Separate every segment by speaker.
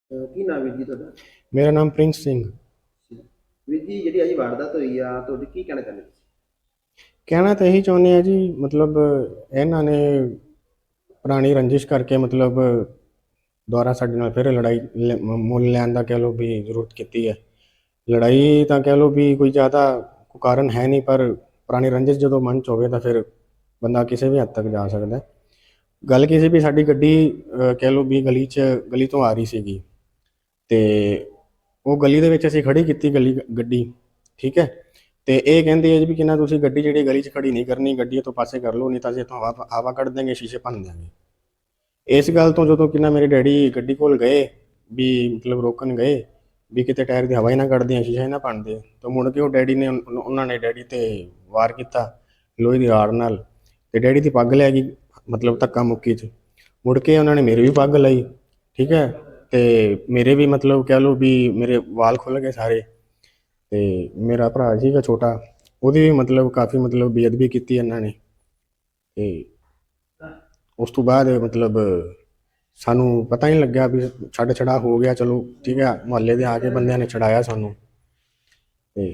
Speaker 1: ਕੀ ਨਾਮ ਵੀਰ ਜੀ ਤੁਹਾਡਾ?
Speaker 2: ਮੇਰਾ ਨਾਮ ਪ੍ਰਿੰਸ ਸਿੰਘ।
Speaker 1: ਵੀਰ ਜੀ ਜਿਹੜੀ ਅੱਜ ਵਾਰਦਾਤ ਹੋਈ ਆ ਤੁਹਾਡੀ ਕੀ ਕਹਿਣਾ ਚਾਹੁੰਦੇ ਤੁਸੀਂ?
Speaker 2: ਕਹਿਣਾ ਤਾਂ ਇਹੀ ਚਾਹੁੰਦੇ ਆ ਜੀ, ਮਤਲਬ ਇਹਨਾਂ ਨੇ ਪੁਰਾਣੀ ਰੰਜਿਸ਼ ਕਰਕੇ ਮਤਲਬ ਦੁਬਾਰਾ ਸਾਡੇ ਨਾਲ ਫਿਰ ਲੜਾਈ ਮੁੱਲ ਲੈਣ ਦਾ ਕਹਿ ਲਓ ਵੀ ਜ਼ਰੂਰਤ ਕੀਤੀ ਹੈ। ਲੜਾਈ ਤਾਂ ਕਹਿ ਲਓ ਵੀ ਕੋਈ ਜ਼ਿਆਦਾ ਕੋਈ ਕਾਰਨ ਹੈ ਨਹੀਂ, ਪਰ ਪੁਰਾਣੀ ਰੰਜਿਸ਼ ਜਦੋਂ ਮਨ 'ਚ ਹੋਵੇ ਤਾਂ ਫਿਰ ਬੰਦਾ ਕਿਸੇ ਵੀ ਹੱਦ ਤੱਕ ਜਾ ਸਕਦਾ ਹੈ। ਗੱਲ ਕੀ ਸੀ ਵੀ ਸਾਡੀ ਗੱਡੀ ਕਹਿ ਲਓ ਵੀ ਗਲੀ ਤੋਂ ਆ ਰਹੀ ਸੀਗੀ, ਅਤੇ ਉਹ ਗਲੀ ਦੇ ਵਿੱਚ ਅਸੀਂ ਖੜੀ ਕੀਤੀ ਗੱਡੀ, ਠੀਕ ਹੈ। ਅਤੇ ਇਹ ਕਹਿੰਦੇ ਆ ਜੀ ਵੀ ਕਿੰਨਾ ਤੁਸੀਂ ਗੱਡੀ ਜਿਹੜੀ ਗਲੀ 'ਚ ਖੜੀ ਨਹੀਂ ਕਰਨੀ, ਗੱਡੀ ਇੱਥੋਂ ਪਾਸੇ ਕਰ ਲਓ, ਨਹੀਂ ਤਾਂ ਅਸੀਂ ਇੱਥੋਂ ਹਵਾ ਕੱਢ ਦੇਂਗੇ, ਸ਼ੀਸ਼ੇ ਭੰਨ ਦਿਆਂਗੇ। ਇਸ ਗੱਲ ਤੋਂ ਜਦੋਂ ਕਿੰਨਾ ਮੇਰੇ ਡੈਡੀ ਗੱਡੀ ਕੋਲ ਗਏ ਵੀ ਮਤਲਬ ਰੋਕਣ ਗਏ ਵੀ ਕਿਤੇ ਟਾਇਰ ਦੀ ਹਵਾ ਹੀ ਨਾ ਕੱਢਦੇ, ਸ਼ੀਸ਼ਾ ਹੀ ਨਾ ਭੰਨਦੇ, ਤਾਂ ਮੁੜ ਕੇ ਉਹ ਡੈਡੀ ਨੇ ਉਹਨਾਂ ਨੇ ਡੈਡੀ 'ਤੇ ਵਾਰ ਕੀਤਾ ਲੋਹੇ ਦੀ ਰਾੜ ਨਾਲ, ਅਤੇ ਡੈਡੀ ਦੀ ਪੱਗ ਲੈ ਗਈ ਮਤਲਬ ਧੱਕਾ ਮੁੱਕੀ 'ਚ। ਮੁੜ ਕੇ ਉਹਨਾਂ ਨੇ ਮੇਰੀ ਵੀ ਪੱਗ ਲਈ, ਠੀਕ ਹੈ, ਅਤੇ ਮੇਰੇ ਵੀ ਮਤਲਬ ਕਹਿ ਲਓ ਵੀ ਮੇਰੇ ਵਾਲ ਖੁੱਲ੍ਹ ਗਏ ਸਾਰੇ। ਅਤੇ ਮੇਰਾ ਭਰਾ ਸੀਗਾ ਛੋਟਾ, ਉਹਦੀ ਵੀ ਮਤਲਬ ਕਾਫੀ ਮਤਲਬ ਬੇਅਦਬੀ ਕੀਤੀ ਇਹਨਾਂ ਨੇ। ਅਤੇ ਉਸ ਤੋਂ ਬਾਅਦ ਮਤਲਬ ਸਾਨੂੰ ਪਤਾ ਹੀ ਨਹੀਂ ਲੱਗਿਆ ਵੀ ਛੱਡ ਛੜਾ ਹੋ ਗਿਆ, ਚਲੋ ਠੀਕ ਹੈ, ਮੁਹੱਲੇ ਦੇ ਆ ਕੇ ਬੰਦਿਆਂ ਨੇ ਛਡਾਇਆ ਸਾਨੂੰ। ਅਤੇ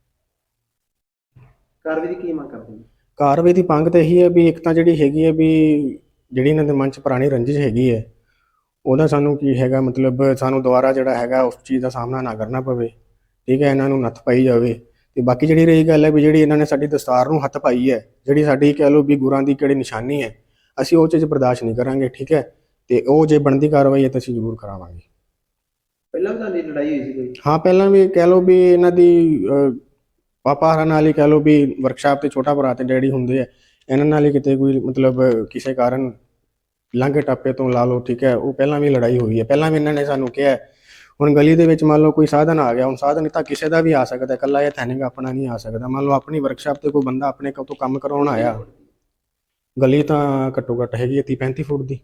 Speaker 1: ਕਾਰਵਾਈ ਦੀ ਕੀ ਮੰਗ ਕਰਦੇ ਨੇ?
Speaker 2: ਕਾਰਵਾਈ ਦੀ ਮੰਗ ਤਾਂ ਇਹੀ ਹੈ ਵੀ ਇੱਕ ਤਾਂ ਜਿਹੜੀ ਹੈਗੀ ਹੈ ਵੀ ਜਿਹੜੀ ਇਹਨਾਂ ਦੇ ਮਨ 'ਚ ਪੁਰਾਣੀ ਰੰਜਿਸ਼ ਹੈਗੀ ਹੈ, ਉਹਦਾ ਸਾਨੂੰ ਕੀ ਹੈਗਾ ਮਤਲਬ ਸਾਨੂੰ ਦੁਬਾਰਾ ਜਿਹੜਾ ਹੈਗਾ ਉਸ ਚੀਜ਼ ਦਾ ਸਾਹਮਣਾ ਨਾ ਕਰਨਾ ਪਵੇ, ਠੀਕ ਹੈ, ਇਹਨਾਂ ਨੂੰ ਨੱਥ ਪਾਈ ਜਾਵੇ। ਅਤੇ ਬਾਕੀ ਜਿਹੜੀ ਰਹੀ ਗੱਲ ਹੈ ਵੀ ਜਿਹੜੀ ਇਹਨਾਂ ਨੇ ਸਾਡੀ ਦਸਤਾਰ ਨੂੰ ਹੱਥ ਪਾਈ ਹੈ, ਜਿਹੜੀ ਸਾਡੀ ਕਹਿ ਲਓ ਵੀ ਗੁਰਾਂ ਦੀ ਕਿਹੜੀ ਨਿਸ਼ਾਨੀ ਹੈ, ਅਸੀਂ ਉਹ ਚੀਜ਼ ਬਰਦਾਸ਼ਤ ਨਹੀਂ ਕਰਾਂਗੇ, ਠੀਕ ਹੈ। ਅਤੇ ਉਹ ਜੇ ਬਣਦੀ ਕਾਰਵਾਈ ਹੈ ਤਾਂ ਅਸੀਂ ਜ਼ਰੂਰ ਕਰਾਵਾਂਗੇ।
Speaker 1: ਪਹਿਲਾਂ ਵੀ ਤੁਹਾਡੀ ਲੜਾਈ ਹੋਈ ਸੀ ਕੋਈ?
Speaker 2: ਹਾਂ, ਪਹਿਲਾਂ ਵੀ ਕਹਿ ਲਓ ਵੀ ਇਹਨਾਂ ਦੀ ਪਾਪਾ ਹਰਾਂ ਨਾਲ ਹੀ ਕਹਿ ਲਓ ਵੀ ਵਰਕਸ਼ਾਪ 'ਤੇ ਛੋਟਾ ਭਰਾ ਅਤੇ ਡੈਡੀ ਹੁੰਦੇ ਆ, ਇਹਨਾਂ ਨਾਲ ਹੀ ਕਿਤੇ ਕੋਈ ਮਤਲਬ ਕਿਸੇ ਕਾਰਨ ਲਾਂਘੇ ਟਾਪੇ ਤੋਂ ਲਾ ਲਓ, ਠੀਕ ਹੈ, ਉਹ ਪਹਿਲਾਂ ਵੀ ਲੜਾਈ ਹੋਈ ਹੈ। ਪਹਿਲਾਂ ਵੀ ਇਹਨਾਂ ਨੇ ਸਾਨੂੰ ਕਿਹਾ ਹੁਣ ਗਲੀ ਦੇ ਵਿੱਚ ਮੰਨ ਲਓ ਕੋਈ ਸਾਧਨ ਆ ਗਿਆ, ਹੁਣ ਸਾਧਨ ਤਾਂ ਕਿਸੇ ਦਾ ਵੀ ਆ ਸਕਦਾ, ਇਕੱਲਾ ਇਹ ਥੈਨਿਕ ਆਪਣਾ ਨਹੀਂ ਆ ਸਕਦਾ। ਮੰਨ ਲਓ ਆਪਣੀ ਵਰਕਸ਼ਾਪ 'ਤੇ ਕੋਈ ਬੰਦਾ ਆਪਣੇ ਤੋਂ ਕੰਮ ਕਰਾਉਣ ਆਇਆ, ਗਲੀ ਤਾਂ ਘੱਟੋ ਘੱਟ ਹੈਗੀ ਹੈ 30-35 ਫੁੱਟ ਦੀ,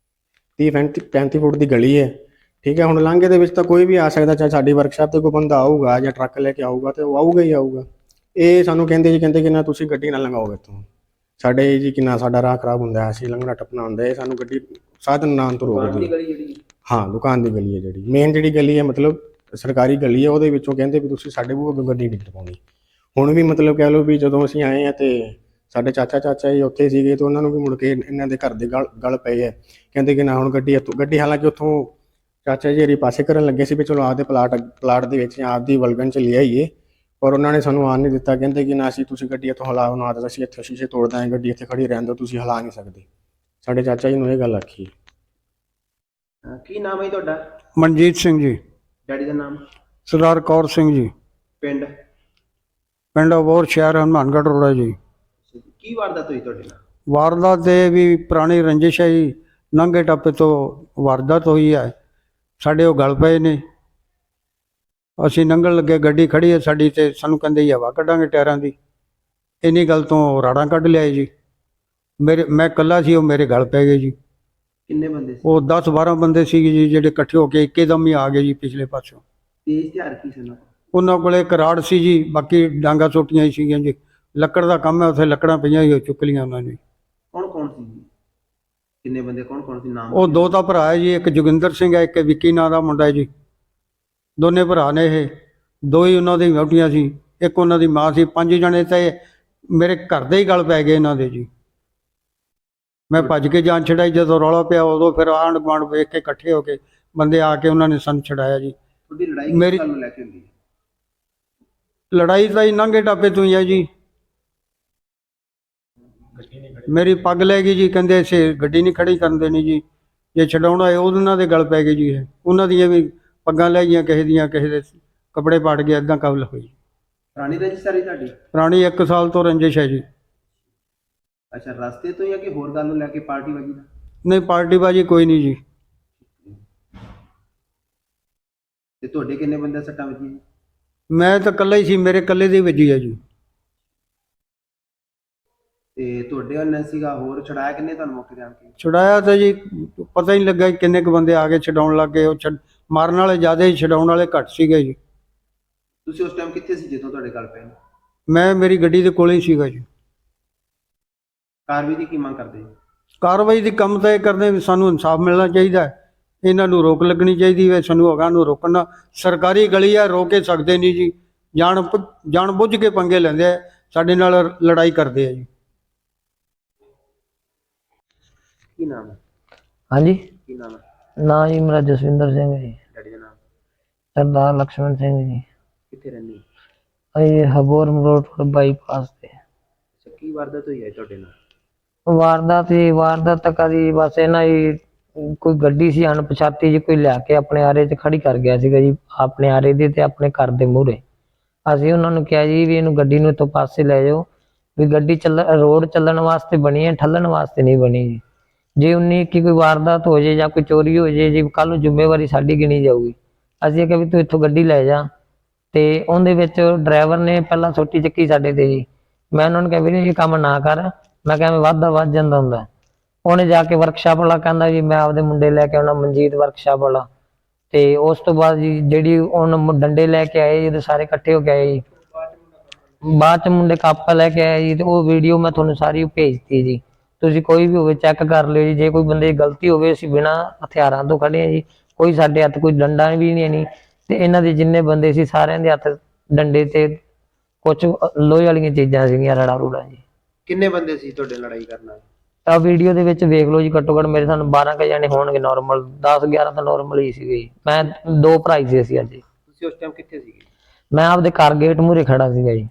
Speaker 2: 30-35 ਫੁੱਟ ਦੀ ਗਲੀ ਹੈ, ਠੀਕ ਹੈ। ਹੁਣ ਲਾਂਘੇ ਦੇ ਵਿੱਚ ਤਾਂ ਕੋਈ ਵੀ ਆ ਸਕਦਾ, ਚਾਹੇ ਸਾਡੀ ਵਰਕਸ਼ਾਪ 'ਤੇ ਕੋਈ ਬੰਦਾ ਆਊਗਾ ਜਾਂ ਟਰੱਕ ਲੈ ਕੇ ਆਊਗਾ ਤਾਂ ਉਹ ਆਊਗਾ ਹੀ ਆਊਗਾ। ਇਹ ਸਾਨੂੰ ਕਹਿੰਦੇ ਕਿ ਨਾ ਤੁਸੀਂ ਗੱਡੀ ਨਾ ਲੰਘਾਓ ਇੱਥੋਂ, ਸਾਡੇ ਜੀ ਕਿੰਨਾ ਸਾਡਾ ਰਾਹ ਖਰਾਬ ਹੁੰਦਾ, ਅਸੀਂ ਲੰਘਣਾ ਟੱਪਣਾ ਹੁੰਦਾ, ਇਹ ਸਾਨੂੰ ਗੱਡੀ ਸਾਧਨ ਨਾ ਤੋਂ ਰੋਕਦੀ।
Speaker 1: ਗਲੀ ਜਿਹੜੀ?
Speaker 2: ਹਾਂ, ਦੁਕਾਨ ਦੀ ਗਲੀ ਹੈ, ਜਿਹੜੀ ਮੇਨ ਜਿਹੜੀ ਗਲੀ ਹੈ ਮਤਲਬ ਸਰਕਾਰੀ ਗਲੀ ਹੈ, ਉਹਦੇ ਵਿੱਚੋਂ ਕਹਿੰਦੇ ਵੀ ਤੁਸੀਂ ਸਾਡੇ ਬੂਹੇ ਗੱਡੀ ਨਹੀਂ ਟਪਾਉਣੀ। ਹੁਣ ਵੀ ਮਤਲਬ ਕਹਿ ਲਓ ਵੀ ਜਦੋਂ ਅਸੀਂ ਆਏ ਹਾਂ ਅਤੇ ਸਾਡੇ ਚਾਚਾ ਜੀ ਉੱਥੇ ਸੀਗੇ, ਅਤੇ ਉਹਨਾਂ ਨੂੰ ਵੀ ਮੁੜ ਕੇ ਇਹਨਾਂ ਦੇ ਘਰ ਦੇ ਗਲ ਪਏ ਹੈ, ਕਹਿੰਦੇ ਕਿ ਨਾ ਹੁਣ ਗੱਡੀ ਹਾਲਾਂਕਿ ਉੱਥੋਂ ਚਾਚਾ ਜੀ ਹਰੀ ਪਾਸੇ ਕਰਨ ਲੱਗੇ ਸੀ ਵੀ ਚਲੋ ਆਪਦੇ ਪਲਾਟ ਦੇ ਵਿੱਚ ਜਾਂ ਆਪਦੀ ਵਲਗਨ 'ਚ ਲਿਆਈਏ, ਪਰ ਉਹਨਾਂ ਨੇ ਸਾਨੂੰ ਆਉਣ ਨਹੀਂ ਦਿੱਤਾ। ਕਹਿੰਦੇ ਕਿ ਨਾ ਅਸੀਂ ਤੁਸੀਂ ਗੱਡੀ ਇੱਥੋਂ ਹਿਲਾਓ ਨਾ, ਤਾਂ ਅਸੀਂ ਇੱਥੇ ਸ਼ੀਸ਼ੇ ਤੋੜ ਦਾਂਗੇ, ਗੱਡੀ ਇੱਥੇ ਖੜੀ ਰਹਿਣ ਦਿਓ, ਤੁਸੀਂ ਹਿਲਾ ਨਹੀਂ ਸਕਦੇ। ਸਾਡੇ ਚਾਚਾ ਜੀ ਨੂੰ ਇਹ ਗੱਲ ਆਖੀ।
Speaker 1: ਕੀ ਨਾਮ ਹੈ ਤੁਹਾਡਾ?
Speaker 3: ਮਨਜੀਤ ਸਿੰਘ ਜੀ।
Speaker 1: ਡੈਡੀ ਦਾ ਨਾਮ?
Speaker 3: ਸਰਦਾਰ ਕੌਰ ਸਿੰਘ ਜੀ।
Speaker 1: ਪਿੰਡ?
Speaker 3: ਪਿੰਡ ਅਬੋਹਰ, ਸ਼ਹਿਰ ਹਨੂੰਮਾਨਗੜ੍ਹ ਰੋਡ ਹੈ ਜੀ।
Speaker 1: ਕੀ ਵਾਰਦਾਤ ਹੋਈ ਤੁਹਾਡੇ ਨਾਲ?
Speaker 3: ਵਾਰਦਾਤ ਦੇ ਵੀ ਪੁਰਾਣੀ ਰੰਜਿਸ਼ ਹੈ ਜੀ, ਲੰਘੇ ਟੱਪੇ ਤੋਂ ਵਾਰਦਾਤ ਹੋਈ ਹੈ। ਸਾਡੇ ਉਹ ਗਲ ਪਏ ਨੇ, ਅਸੀਂ ਲੰਘਣ ਲੱਗੇ, ਗੱਡੀ ਖੜੀ ਹੈ ਸਾਡੀ, ਤੇ ਸਾਨੂੰ ਕਹਿੰਦੇ ਜੀ ਹਵਾ ਕੱਢਾਂਗੇ ਟਾਇਰਾਂ ਦੀ। ਇੰਨੀ ਗੱਲ ਤੋਂ ਰਾੜਾਂ ਕੱਢ ਲਿਆਏ ਜੀ। ਮੈਂ ਇਕੱਲਾ ਸੀ, ਉਹ ਮੇਰੇ ਗਲ ਪੈ ਗਏ ਜੀ।
Speaker 1: ਕਿੰਨੇ ਬੰਦੇ ਸੀ?
Speaker 3: ਉਹ 10-12 ਬੰਦੇ ਸੀਗੇ ਜੀ, ਜਿਹੜੇ ਇਕੱਠੇ ਹੋ ਕੇ ਇੱਕਦਮ ਹੀ ਆ ਗਏ ਜੀ ਪਿਛਲੇ ਪਾਸੋਂ।
Speaker 1: ਤੇਜ਼ ਹਥਿਆਰ ਕੀ ਸੀ ਉਹਨਾਂ ਕੋਲ?
Speaker 3: ਉਹਨਾਂ ਕੋਲੇ ਇੱਕ ਰਾੜ ਸੀ ਜੀ, ਬਾਕੀ ਡਾਂਗਾ ਸੋਟੀਆਂ ਹੀ ਸੀਗੀਆਂ ਜੀ। ਲੱਕੜ ਦਾ ਕੰਮ ਹੈ, ਉੱਥੇ ਲੱਕੜਾਂ ਪਈਆਂ ਹੀ ਚੁੱਕ ਲਈਆਂ ਉਹਨਾਂ ਨੇ।
Speaker 1: ਕੌਣ ਸੀ ਜੀ? ਕਿੰਨੇ ਬੰਦੇ, ਕੌਣ ਸੀ ਨਾਮ?
Speaker 3: ਉਹ ਦੋ ਤਾਂ ਭਰਾ ਹੈ ਜੀ, ਇੱਕ ਜੋਗਿੰਦਰ ਸਿੰਘ ਹੈ, ਇੱਕ ਵਿੱਕੀ ਨਾਂ ਦਾ ਮੁੰਡਾ ਹੈ ਜੀ। ਦੋਨੇ ਭਰਾ ਨੇ, ਇਹ ਦੋ ਹੀ ਉਹਨਾਂ ਦੀ ਵਹੁਟੀਆਂ ਸੀ, ਇੱਕ ਉਹਨਾਂ ਦੀ ਮਾਂ ਸੀ। 5 ਜਣੇ ਤਾਂ ਮੇਰੇ ਘਰ ਦੇ ਹੀ ਗਲ ਪੈ ਗਏ ਇਹਨਾਂ ਦੇ ਜੀ। ਮੈਂ ਭੱਜ ਕੇ ਜਾਨ ਛਡਾਈ, ਜਦੋਂ ਰੌਲਾ ਪਿਆ ਉਦੋਂ ਫਿਰ ਆਂਢ ਗੁਆਂਢ ਵੇਖ ਕੇ ਇਕੱਠੇ ਹੋ ਕੇ ਬੰਦੇ ਆ ਕੇ ਉਹਨਾਂ ਨੇ ਸਾਨੂੰ ਛਡਾਇਆ ਜੀ।
Speaker 1: ਤੁਹਾਡੀ ਲੜਾਈ ਕਿਸ ਗੱਲ ਨੂੰ ਲੈ ਕੇ ਹੁੰਦੀ ਹੈ?
Speaker 3: ਲੜਾਈ ਤਾਂ ਹੀ ਨਾਂਗੇ ਟਾਪੇ ਤੋਂ ਹੀ ਹੈ ਜੀ। ਮੇਰੀ ਪੱਗ ਲੈ ਗਈ ਜੀ, ਕਹਿੰਦੇ ਅਸੀਂ ਗੱਡੀ ਨਹੀਂ ਖੜੀ ਕਰਨ ਦੇਣੀ ਜੀ, ਜੇ ਛਡਾਉਣਾ ਹੈ ਉਹਨਾਂ ਦੇ ਗਲ ਪੈ ਗਏ ਜੀ। ਇਹ ਉਹਨਾਂ ਦੀਆਂ ਵੀ ਪੱਗਾਂ ਲੈ ਗਈਆਂ, ਕਿਸੇ ਦੇ ਕੱਪੜੇ ਪਾੜ ਗਏ, ਇੱਦਾਂ ਕਬਲ ਹੋਈ।
Speaker 1: ਪੁਰਾਣੀ ਰੰਜਿਸ਼ ਸਾਰੀ ਤੁਹਾਡੀ?
Speaker 3: ਪੁਰਾਣੀ 1 ਸਾਲ ਤੋਂ ਰੰਜਿਸ਼ ਹੈ ਜੀ।
Speaker 1: ਅੱਛਾ, ਰਸਤੇ ਤੋਂ ਜਾਂ ਕਿ ਹੋਰ ਗੱਲ ਨੂੰ ਲੈ ਕੇ ਪਾਰਟੀ ਵਜੀ ਦਾ?
Speaker 3: ਨਹੀਂ, ਪਾਰਟੀਬਾਜੀ ਕੋਈ ਨਹੀਂ ਜੀ।
Speaker 1: ਤੇ ਤੁਹਾਡੇ ਕਿੰਨੇ ਬੰਦੇ ਸੱਟਾਂ ਵੱਜੀਆਂ?
Speaker 3: ਮੈਂ ਤਾਂ ਇਕੱਲਾ ਹੀ ਸੀ, ਮੇਰੇ ਇਕੱਲੇ ਦੀ ਵੱਜੀ ਹੈ ਜੀ।
Speaker 1: ਤੇ ਤੁਹਾਡੇ ਨਾਲ ਸੀਗਾ ਹੋਰ ਛਡਾਇਆ ਕਿੰਨੇ ਤੁਹਾਨੂੰ ਮੌਕੇ ਤੇ ਆਣ ਕੇ?
Speaker 3: ਛੁਡਾਇਆ ਤਾਂ ਜੀ ਪਤਾ ਹੀ ਨਹੀਂ ਲੱਗਾ ਕਿੰਨੇ ਕੁ ਬੰਦੇ ਆ ਕੇ ਛਡਾਉਣ ਲੱਗ ਗਏ। ਉਹ ਮਾਰਨ ਵਾਲੇ ਜ਼ਿਆਦਾ ਹੀ, ਛਡਾਉਣ ਵਾਲੇ ਘੱਟ ਸੀਗੇ ਜੀ।
Speaker 1: ਤੁਸੀਂ ਉਸ ਟਾਈਮ ਕਿੱਥੇ ਸੀ ਜਦੋਂ ਤੁਹਾਡੇ ਗੱਲ ਪਏ?
Speaker 3: ਮੈਂ ਮੇਰੀ ਗੱਡੀ ਦੇ ਕੋਲੇ ਹੀ ਸੀਗਾ ਜੀ।
Speaker 1: ਕਾਰਵਾਈ ਦੀ ਕੀ ਮੰਗ ਕਰਦੇ?
Speaker 3: ਕਾਰਵਾਈ ਦੀ ਕੰਮ ਤਾਂ ਇਹ ਕਰਦੇ ਵੀ ਸਾਨੂੰ ਇਨਸਾਫ ਮਿਲਣਾ ਚਾਹੀਦਾ ਹੈ। ਇਹਨਾਂ ਨੂੰ ਰੋਕ ਲੱਗਣੀ ਚਾਹੀਦੀ ਹੈ। ਸਾਨੂੰ ਅਗਾਂਹ ਨੂੰ ਰੋਕਣਾ, ਸਰਕਾਰੀ ਗਲੀ ਆ, ਰੋਕ ਕੇ ਸਕਦੇ ਨਹੀਂ ਜੀ। ਜਾਣ ਬੁੱਝ ਕੇ ਪੰਗੇ ਲੈਂਦੇ ਆ, ਸਾਡੇ ਨਾਲ ਲੜਾਈ ਕਰਦੇ ਆ ਜੀ।
Speaker 1: ਕੀ ਨਾਮ ਹੈ?
Speaker 4: ਹਾਂਜੀ,
Speaker 1: ਕੀ ਨਾਮ ਹੈ?
Speaker 4: ਨਾਂ ਜੀ ਮੇਰਾ ਜਸਵਿੰਦਰ ਸਿੰਘ ਜੀ।
Speaker 1: ਡੈਡੀ ਦਾ ਨਾਮ?
Speaker 4: ਸਰਦਾਰ ਲਕਸ਼ਮਣ ਸਿੰਘ ਜੀ।
Speaker 1: ਕਿੱਥੇ ਰਹਿੰਦੇ ਹੋ?
Speaker 4: ਇਹ ਹਬੋਰ ਰੋਡ ਬਾਈਪਾਸ ਤੇ।
Speaker 1: ਅੱਛਾ, ਕੀ ਵਾਰਦਾਤ ਹੋਈ ਹੈ ਤੁਹਾਡੇ ਨਾਲ?
Speaker 4: ਵਾਰਦਾਤ ਤਾਂ ਕਦੀ ਬਸ ਇਹਨਾਂ ਹੀ ਕੋਈ ਗੱਡੀ ਸੀ ਅਣਪਛਾਤੀ ਜੀ, ਕੋਈ ਲਿਆ ਕੇ ਆਪਣੇ ਆਰੇ 'ਚ ਖੜੀ ਕਰ ਗਿਆ ਸੀਗਾ ਜੀ, ਆਪਣੇ ਆਰੇ ਦੇ ਤੇ ਆਪਣੇ ਘਰ ਦੇ ਮੂਹਰੇ। ਅਸੀਂ ਉਹਨਾਂ ਨੂੰ ਕਿਹਾ ਜੀ ਵੀ ਇਹਨੂੰ ਗੱਡੀ ਨੂੰ ਇੱਥੋਂ ਪਾਸੇ ਲੈ ਜਾਓ, ਵੀ ਗੱਡੀ ਰੋਡ ਚੱਲਣ ਵਾਸਤੇ ਬਣੀ ਹੈ, ਠੱਲਣ ਵਾਸਤੇ ਨਹੀਂ ਬਣੀ ਜੀ। ਜੇ 19 ਕੀ ਕੋਈ ਵਾਰਦਾਤ ਹੋ ਜੇ ਜਾਂ ਕੋਈ ਚੋਰੀ ਹੋ ਜੇ ਜੀ, ਕੱਲ ਨੂੰ ਜ਼ਿੰਮੇਵਾਰੀ ਸਾਡੀ ਗਿਣੀ ਜਾਊਗੀ। ਅਸੀਂ ਕਿਹਾ ਵੀ ਤੂੰ ਇੱਥੋਂ ਗੱਡੀ ਲੈ ਜਾ, ਤੇ ਉਹਦੇ ਵਿੱਚ ਡਰਾਈਵਰ ਨੇ ਪਹਿਲਾਂ ਸੋਟੀ ਚੱਕੀ ਸਾਡੇ ਤੇ ਜੀ। ਮੈਂ ਉਹਨਾਂ ਨੂੰ ਕਿਹਾ ਵੀਰੇ ਇਹ ਕੰਮ ਨਾ ਕਰ, ਮੈਂ ਕਿਹਾ ਵੱਧ ਜਾਂਦਾ ਹੁੰਦਾ। ਉਹਨੇ ਜਾ ਕੇ ਵਰਕਸ਼ਾਪ ਵਾਲਾ ਕਹਿੰਦਾ ਜੀ ਮੈਂ ਆਪਦੇ ਮੁੰਡੇ ਲੈ ਕੇ ਆਉਣਾ, ਮਨਜੀਤ ਵਰਕਸ਼ਾਪ ਵਾਲਾ। ਤੇ ਉਸ ਤੋਂ ਬਾਅਦ ਜੀ ਜਿਹੜੀ ਉਹਨ ਡੰਡੇ ਲੈ ਕੇ ਆਏ ਜੀ, ਸਾਰੇ ਇਕੱਠੇ ਹੋ ਕੇ ਆਏ ਜੀ। ਬਾਅਦ ਚ ਮੁੰਡੇ ਕਾਪਾ ਲੈ ਕੇ ਆਏ ਜੀ, ਤੇ ਉਹ ਵੀਡੀਓ ਮੈਂ ਤੁਹਾਨੂੰ ਸਾਰੀ ਭੇਜਤੀ ਜੀ। ਤੁਸੀਂ ਕੋਈ ਵੀ ਹੋਵੇ ਚੈੱਕ ਕਰ ਲਿਓ ਜੀ। ਜੇ ਕੋਈ ਬੰਦੇ ਦੀ ਗਲਤੀ ਹੋਵੇ, ਅਸੀਂ ਬਿਨਾਂ ਹਥਿਆਰਾਂ ਤੋਂ ਖੜੇ ਆ ਜੀ। ਕੋਈ ਸਾਡੇ ਹੱਥ ਕੋਈ ਡੰਡਾ ਵੀ ਨਹੀਂ ਤੇ ਇਹਨਾਂ ਦੇ ਜਿੰਨੇ ਬੰਦੇ ਸੀ ਸਾਰਿਆਂ ਦੇ ਹੱਥ ਡੰਡੇ ਤੇ ਕੁਛ ਲੋਹੇ ਵਾਲੀਆਂ ਚੀਜ਼ਾਂ ਸੀਗੀਆਂ, ਰੜਾ ਰੂੜਾ ਜੀ।
Speaker 1: ਕਿੰਨੇ ਬੰਦੇ ਸੀ ਤੁਹਾਡੇ ਲੜਾਈ ਕਰਨ ਵਾਲੇ?
Speaker 4: ਤਾਂ ਵੀਡੀਓ ਦੇ ਵਿੱਚ ਵੇਖ ਲਓ ਜੀ, ਘੱਟੋ ਘੱਟ ਮੇਰੇ ਸਾਨੂੰ 12 ਕੁ ਜਾਣੇ ਹੋਣਗੇ ਨੋਰਮਲ, 10-11 ਤਾਂ ਨੋਰਮਲ ਹੀ ਸੀਗੇ ਜੀ। ਮੈਂ 2 ਭਰਾ ਹੀ ਸੀ ਅਸੀਂ ਅੱਜ।
Speaker 1: ਤੁਸੀਂ ਉਸ ਟਾਈਮ ਕਿੱਥੇ ਸੀਗੇ?
Speaker 4: ਮੈਂ ਆਪਦੇ ਘਰ ਗੇਟ ਮੂਹਰੇ ਖੜਾ ਸੀਗਾ ਜੀ।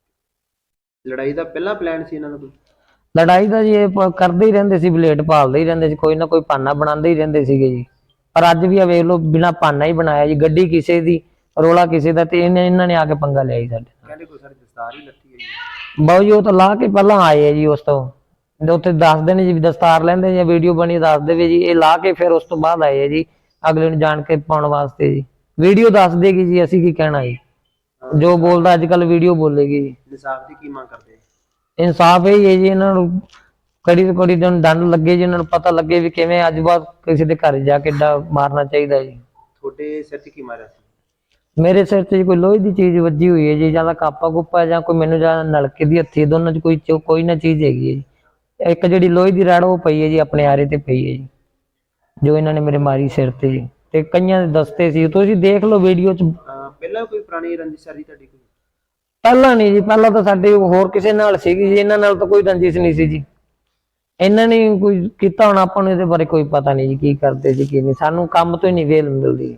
Speaker 1: ਲੜਾਈ ਦਾ ਪਹਿਲਾਂ ਪਲਾਨ ਸੀ ਇਹਨਾਂ ਦਾ ਕੋਈ?
Speaker 4: ਲੜਾਈ ਦਾ ਜੀ ਇਹ ਕਰਦੇ ਹੀ ਰਹਿੰਦੇ ਸੀ, ਬਲੇਡ ਭਾਲਦੇ ਹੀ ਰਹਿੰਦੇ ਸੀ, ਕੋਈ ਨਾ ਕੋਈ ਬਹਾਨਾ ਬਣਾਉਂਦੇ ਹੀ ਰਹਿੰਦੇ ਸੀਗੇ ਜੀ। ਪਰ ਅੱਜ ਵੀ ਆ ਵੇਖ ਲਓ, ਬਿਨਾਂ ਬਹਾਨਾ ਹੀ ਬਣਾਇਆ ਜੀ। ਗੱਡੀ ਕਿਸੇ ਦੀ, ਰੋਲਾ ਕਿਸੇ ਦਾ, ਤੇ ਇਹਨਾਂ ਨੇ ਆ ਕੇ ਪੰਗਾ ਲਿਆ ਜੀ ਸਾਡੇ ਨਾਲ।
Speaker 1: ਕਹਿੰਦੇ ਕੋਈ ਸਾਡੀ ਦਸਤਾਰ ਹੀ ਲੱਥੀ ਹੈ ਜੀ।
Speaker 4: ਬਾਊ ਜੀ ਉਹ ਤਾਂ ਲਾ ਕੇ ਪਹਿਲਾਂ ਆਏ ਆ ਜੀ, ਉਸ ਤੋਂ ਉੱਥੇ ਦੱਸਦੇ ਨੇ ਜੀ ਦਸਤਾਰ ਲੈਂਦੇ ਜਾਂ ਵੀਡੀਓ ਬਣੀ ਦੱਸ ਦੇਵੇ ਜੀ, ਇਹ ਲਾ ਕੇ ਫਿਰ ਉਸ ਤੋਂ ਬਾਅਦ ਆਏ ਆ ਜੀ ਅਗਲੇ ਨੂੰ ਜਾਣ ਕੇ ਪਾਉਣ ਵਾਸਤੇ ਜੀ। ਵੀਡੀਓ ਦੱਸ ਦੇਗੀ ਜੀ, ਅਸੀਂ ਕੀ ਕਹਿਣਾ ਜੀ। ਜੋ ਬੋਲਦਾ ਅੱਜ ਕੱਲ ਵੀਡੀਓ ਬੋਲੇਗੀ ਜੀ।
Speaker 1: ਇਨਸਾਫ ਦੀ ਕੀ ਮੰਗ ਕਰਦੇ?
Speaker 4: ਇਨਸਾਫ ਇਹ ਹੈ ਜੀ, ਇਹਨਾਂ ਨੂੰ ਕੜੀ ਤੋਂ ਕੜੀ ਦੰਡ ਲੱਗੇ ਜੀ, ਇਹਨਾਂ ਨੂੰ ਪਤਾ ਲੱਗੇ ਵੀ ਕਿਵੇਂ ਅੱਜ ਬਾਅਦ ਕਿਸੇ ਦੇ ਘਰ ਜਾ ਕੇ ਏਡਾ ਮਾਰਨਾ ਚਾਹੀਦਾ ਜੀ।
Speaker 1: ਤੁਹਾਡੇ ਸਿਰ 'ਚ ਕੀ ਮਾਰਿਆ ਸੀ?
Speaker 4: ਮੇਰੇ ਸਿਰ 'ਚ ਕੋਈ ਲੋਹੇ ਦੀ ਚੀਜ਼ ਵੱਜੀ ਹੋਈ ਹੈ ਜੀ, ਜਾਂ ਤਾਂ ਕਾਪਾ ਕੁੱਪਾ ਜਾਂ ਕੋਈ ਮੈਨੂੰ ਜਾਂ ਨਲਕੇ ਦੀ ਹੱਥੀ, ਦੋਨਾਂ 'ਚ ਕੋਈ ਨਾ ਚੀਜ਼ ਹੈਗੀ ਹੈ ਜੀ। ਇੱਕ ਜਿਹੜੀ ਲੋਹੇ ਦੀ ਰੜ ਉਹ ਪਈ ਹੈ ਜੀ, ਆਪਣੇ ਆਰੇ ਤੇ ਪਈ ਹੈ ਜੀ, ਜੋ ਇਹਨਾਂ ਨੇ ਮੇਰੇ ਮਾਰੀ ਸਿਰ ਤੇ ਜੀ। ਤੇ ਕਈਆਂ ਦੇ ਦਸਤੇ ਸੀ, ਤੁਸੀਂ ਦੇਖ ਲਓ ਵੀਡੀਓ 'ਚ।
Speaker 1: ਪਹਿਲਾਂ ਕੋਈ ਪੁਰਾਣੀ ਰੰਜਿਸ਼ ਸਾਰੀ ਤੁਹਾਡੀ ਕੋਈ?
Speaker 4: ਪਹਿਲਾਂ ਨਹੀਂ ਜੀ, ਪਹਿਲਾਂ ਤਾਂ ਸਾਡੇ ਹੋਰ ਕਿਸੇ ਨਾਲ ਸੀਗੀ ਜੀ, ਇਹਨਾਂ ਨਾਲ ਤਾਂ ਕੋਈ ਰੰਜਿਸ਼ ਨਹੀਂ ਸੀ ਜੀ। ਇਹਨਾਂ ਨੇ ਕੋਈ ਕੀਤਾ ਹੋਣਾ, ਆਪਾਂ ਨੂੰ ਇਹਦੇ ਬਾਰੇ ਕੋਈ ਪਤਾ ਨਹੀਂ ਜੀ, ਕੀ ਕਰਦੇ ਜੀ ਕੀ ਨਹੀਂ। ਸਾਨੂੰ ਕੰਮ ਤੋਂ ਹੀ ਨਹੀਂ ਵੇਲ ਮਿਲਦੀ,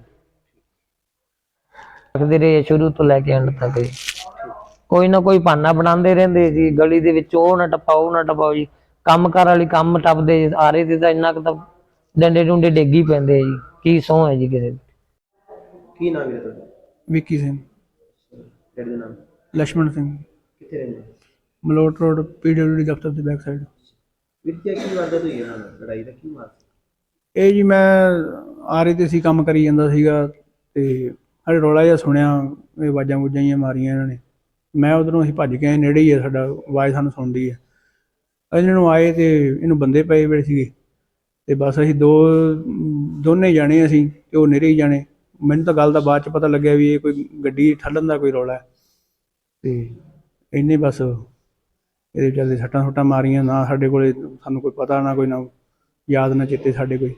Speaker 4: ਰੱਖਦੇ ਰਹੇ ਸ਼ੁਰੂ ਤੋਂ ਲੈ ਕੇ ਐਂਡ ਤੱਕ ਜੀ। ਕੋਈ ਨਾ ਕੋਈ ਬਹਾਨਾ ਬਣਾਉਂਦੇ ਰਹਿੰਦੇ ਜੀ ਗਲੀ ਦੇ ਵਿੱਚ, ਉਹ ਨਾ ਟਪਾਓ ਜੀ। ਕੰਮ ਕਾਰ ਵਾਲੀ ਕੰਮ ਟੱਪਦੇ ਆ ਰਹੇ ਤੇ ਤਾਂ ਇੰਨਾ ਕੁ ਤਾਂ ਡੰਡੇ ਡੁੰਡੇ ਡੇਗੀ ਪੈਂਦੇ ਆ ਜੀ। ਕੀ ਸਹੁੰ ਹੈ ਜੀ ਕਿਸੇ ਦੀ।
Speaker 1: ਕੀ ਨਾਮ ਹੈ ਤੁਹਾਡਾ?
Speaker 3: ਵਿੱਕੀ ਸਿੰਘ।
Speaker 1: ਡੈਡੀ ਦਾ ਨਾਮ?
Speaker 3: ਲక్ష్మణ ਸਿੰਘ।
Speaker 1: ਕਿੱਥੇ ਰਹਿੰਦੇ?
Speaker 3: ਮਲੋਟ ਰੋਡ PWD ਦਫ਼ਤਰ ਦੇ ਬੈਕ ਸਾਈਡ।
Speaker 1: ਵਿਦਿਆ ਕੀ ਵਾਰਦਾਤ ਹੋਈ ਇਹਨਾਂ ਨਾਲ? ਲੜਾਈ ਦਾ ਕੀ ਮਾਮਲਾ?
Speaker 3: ਇਹ ਜੀ ਮੈਂ ਆਰੇ ਤੇ ਸੀ, ਕੰਮ ਕਰੀ ਜਾਂਦਾ ਸੀਗਾ, ਤੇ ਸਾਡੇ ਰੌਲਾ ਜਿਹਾ ਸੁਣਿਆ, ਇਹ ਆਵਾਜ਼ਾਂ ਵੂਜ਼ਾਂ ਜਿਹੀਆਂ ਮਾਰੀਆਂ ਇਹਨਾਂ ਨੇ। ਮੈਂ ਉਧਰੋਂ ਅਸੀਂ ਭੱਜ ਕੇ ਆਏ, ਨੇੜੇ ਹੀ ਆ ਸਾਡਾ, ਆਵਾਜ਼ ਸਾਨੂੰ ਸੁਣਦੀ ਹੈ। ਇਹਨਾਂ ਨੂੰ ਆਏ ਤੇ ਇਹਨੂੰ ਬੰਦੇ ਪਏ ਵੇਲੇ ਸੀਗੇ, ਤੇ ਬਸ ਅਸੀਂ ਦੋਨੇ ਜਾਣੇ ਅਸੀਂ, ਤੇ ਉਹ ਨੇੜੇ ਹੀ ਜਾਣੇ। ਮੈਨੂੰ ਤਾਂ ਗੱਲ ਦਾ ਬਾਅਦ 'ਚ ਪਤਾ ਲੱਗਿਆ ਵੀ ਇਹ ਕੋਈ ਗੱਡੀ ਠੱਲਣ ਦਾ ਕੋਈ ਰੌਲਾ ਹੈ, ਤੇ ਇਹਨੇ ਬਸ ਇਹਦੇ ਚੱਲਦੇ ਸੱਟਾਂ ਸੁੱਟਾਂ ਮਾਰੀਆਂ। ਨਾ ਸਾਡੇ ਕੋਲੇ ਸਾਨੂੰ ਕੋਈ ਪਤਾ, ਨਾ ਕੋਈ ਨਾ ਯਾਦ, ਨਾ ਚੇਤੇ ਸਾਡੇ ਕੋਈ।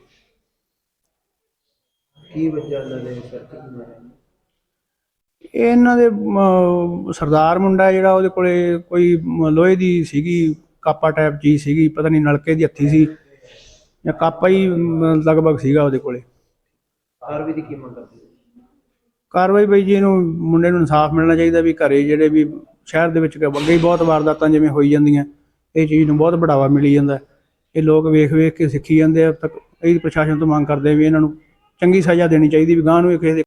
Speaker 1: ਕੀ ਵਜ੍ਹਾ ਇਹਨਾਂ ਦੇ ਸਿਰ 'ਤੇ ਕੀ ਮਾਰਿਆ?
Speaker 3: ਇਹਨਾਂ ਦੇ ਸਰਦਾਰ ਮੁੰਡਾ ਜਿਹੜਾ, ਉਹਦੇ ਕੋਲੇ ਕੋਈ ਲੋਹੇ ਦੀ ਸੀਗੀ, ਕਾਪਾ ਟਾਈਪ ਚੀਜ਼ ਸੀਗੀ, ਪਤਾ ਨਹੀਂ ਨਲਕੇ ਦੀ ਹੱਥੀ ਸੀ ਜਾਂ ਕਾਪਾ ਹੀ ਲਗਭਗ ਸੀਗਾ ਉਹਦੇ ਕੋਲੇ।
Speaker 1: ਕਾਰਵਾਈ ਦੀ ਕੀ ਮੰਗ ਕਰਦੇ?
Speaker 3: ਕਾਰਵਾਈ ਬਈ ਜੀ, ਇਹਨੂੰ ਮੁੰਡੇ ਨੂੰ ਇਨਸਾਫ ਮਿਲਣਾ ਚਾਹੀਦਾ। ਵੀ ਘਰੇ ਜਿਹੜੇ ਵੀ ਸ਼ਹਿਰ ਦੇ ਵਿੱਚ ਅੱਗੇ ਹੀ ਬਹੁਤ ਵਾਰਦਾਤਾਂ ਜਿਵੇਂ ਹੋਈ ਜਾਂਦੀਆਂ, ਇਹ ਚੀਜ਼ ਨੂੰ ਬਹੁਤ ਬੜਾਵਾ ਮਿਲੀ ਜਾਂਦਾ। ਇਹ ਲੋਕ ਵੇਖ ਕੇ ਸਿੱਖੀ ਜਾਂਦੇ ਆ। ਤੱਕ ਇਹ ਪ੍ਰਸ਼ਾਸਨ ਤੋਂ ਮੰਗ ਕਰਦੇ ਵੀ ਇਹਨਾਂ ਨੂੰ ਚੰਗੀ ਸਜ਼ਾ ਦੇਣੀ ਚਾਹੀਦੀ, ਵੀ ਗਾਂਹ ਨੂੰ ਇਹ ਕਿਸੇ ਦੇ